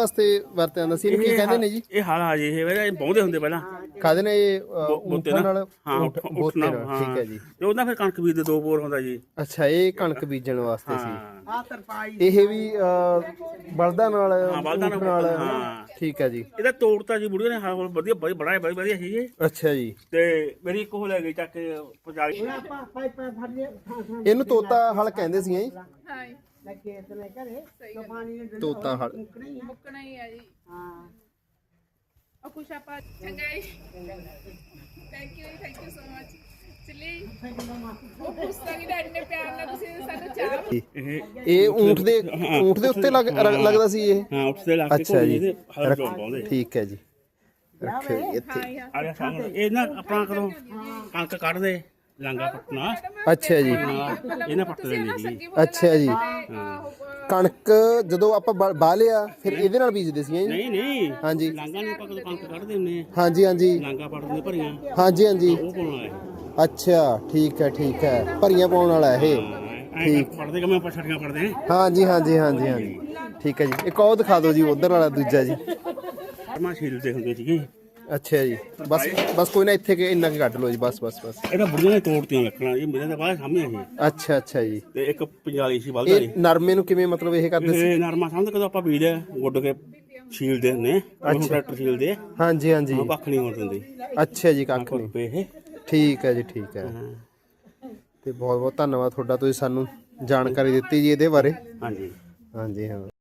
ਵਾਸਤੇ ਵਰਤਿਆ ਜਾਂਦਾ ਸੀ? ਇਹਨੂੰ ਕੀ ਕਹਿੰਦੇ ਨੇ ਜੀ? ਇਹ ਹਾਲਾ ਜੀ ਇਹ ਬਹੁੰਦੇ ਹੁੰਦੇ ਪਹਿਲਾਂ ਕਾਹਦੇ ਨੇ ਇਹ? ਊਠਾਂ ਨਾਲ? ਹਾਂ ਬੋਤੇ ਨਾਲ, ਠੀਕ ਹੈ ਜੀ। ਤੇ ਉਹਦਾ ਫਿਰ ਕਣਕ ਬੀਜ ਦੇ 2 ਬੋਰ ਹੁੰਦਾ ਜੀ। ਅੱਛਾ, ਇਹ ਕਣਕ ਬੀਜਣ ਵਾਸਤੇ ਸੀ। ਹਾਂ ਇਹ ਵੀ ਬਲਦਾਂ ਨਾਲ, ਊਠ ਨਾਲ? ਹਾਂ ਠੀਕ ਹੈ ਜੀ। ਇਹਦਾ ਤੋੜਤਾ ਜੀ ਬੁੜੀਆਂ ਨੇ ਹਾਂ ਵਧੀਆ ਬੜਾ ਵਧੀਆ ਸੀ ਇਹ। ਅੱਛਾ ਜੀ। ਤੇ ਮੇਰੀ ਇੱਕ ਉਹ ਲੈ ਗਈ ਚੱਕ ਕੇ ਪਜਾਲੀ। ਇਹਨੂੰ ਤੋਤਾ ਹਲ ਕਹਿੰਦੇ ਸੀ ਜੀ? ਹਾਂ ਤੋਤਾ ਹਲ ਮੁੱਕਣਾ ਹੀ ਆ ਜੀ। ਹਾਂ ਉਹ ਕੁਛ ਆਪਾਂ ਚੰਗਾ ਜੀ। Thank you so much. ਚਲੀ ਉਹ ਪੁੱਛਾਂਗੀ ਡੈਡੀ ਨੇ ਪਿਆਰ ਨਾਲ ਤੁਸੀਂ ਸਾਨੂੰ ਚਾਹ। ਇਹ ਊਂਠ ਦੇ ਉੱਤੇ ਲੱਗਦਾ ਸੀ ਇਹ? ਹਾਂ ਉੱਤੇ ਲੱਗ ਕੇ ਅੱਛਾ ਜੀ, ਹਲ ਜੋੜ ਪਾਉਂਦੇ। ਠੀਕ ਹੈ ਜੀ। ਰੱਖਿਓ ਜੀ ਇੱਥੇ। ਆ ਗਿਆ ਸਾਹਮਣੇ ਇਹ ਨਾ ਆਪਣਾ ਕਦੋਂ ਕਣਕ ਕੱਢਦੇ ਲਾਂਗਾ ਪੱਟਣਾ। ਅੱਛਾ ਜੀ। ਇਹਨਾਂ ਪੱਟ ਲੈਣੀ ਜੀ। ਅੱਛਾ ਜੀ। ਕਣਕ ਜਦੋਂ ਆਪਾਂ ਬਾਹ ਲਿਆ ਫਿਰ ਇਹਦੇ ਨਾਲ ਬੀਜਦੇ ਸੀ ਜੀ? ਨਹੀਂ ਹਾਂਜੀ। ਲਾਂਗਾ ਨਹੀਂ ਆਪਾਂ ਕਦੋਂ ਕਣਕ ਕੱਢਦੇ ਹੁੰਦੇ ਆ। ਹਾਂਜੀ ਲਾਂਗਾ ਪੱਟਦੇ ਭਰੀਆਂ। ਹਾਂਜੀ ਉਹ ਪਾਉਣਾ ਹੈ। ਅੱਛਾ, ਠੀਕ ਹੈ। ਭਰੀਆਂ ਪਾਉਣ ਵਾਲਾ ਇਹ? ਠੀਕ ਪੜਦੇ ਕਿ ਮੈਂ ਪਛੜੀਆਂ ਪੜਦੇ। ਹਾਂਜੀ। ਠੀਕ ਹੈ ਜੀ। ਇੱਕ ਉਹ ਦਿਖਾ ਦਿਓ ਜੀ, ਉਧਰ ਵਾਲਾ ਦੂਜਾ ਜੀ। ਮੈਂ ਸ਼ੀਲ ਦੇ ਹੁੰਦੇ ਸੀਗੇ। ਅੱਛਾ ਜੀ। ਬਸ ਕੋਈ ਨਾ, ਇੱਥੇ ਇੰਨਾ ਕੁ ਕੱਢ ਲਓ ਜੀ। ਬਸ ਇਹਦਾ ਬੁੜੀਆਂ ਨੇ ਤੋੜਤੀਆਂ ਲੱਕੜਾਂ। ਇਹ ਮੇਰੇ ਤਾਂ ਬਾਹਰ ਸਾਹਮਣੇ ਸੀ। ਅੱਛਾ ਜੀ। ਤੇ ਇੱਕ ਪੰਜਾਲੀ ਸੀ ਬਲਦਾ ਦੀ। ਇਹ ਨਰਮੇ ਨੂੰ ਕਿਵੇਂ ਮਤਲਬ ਇਹ ਕਰਦੇ ਸੀ? ਇਹ ਨਰਮਾ ਸਮਝ ਕਦੋਂ ਆਪਾਂ ਬੀਜ ਗੁੱਡ ਕੇ ਸ਼ੀਲਦੇ ਹੁੰਦੇ। ਟਰੈਕਟਰ ਸ਼ੀਲਦੇ। ਹਾਂਜੀ ਉਹ ਕੱਖ ਨਹੀਂ ਹੋਣ ਦਿੰਦੀ। ਅੱਛਾ ਜੀ, ਕੱਖ ਨਹੀਂ। ਇਹ ਠੀਕ ਹੈ ਜੀ, ਠੀਕ ਹੈ। ਤੇ ਬਹੁਤ ਧੰਨਵਾਦ ਤੁਹਾਡਾ, ਤੁਸੀਂ ਸਾਨੂੰ ਜਾਣਕਾਰੀ ਦਿੱਤੀ ਜੀ ਇਹਦੇ ਬਾਰੇ। ਹਾਂਜੀ ਹਾਂ।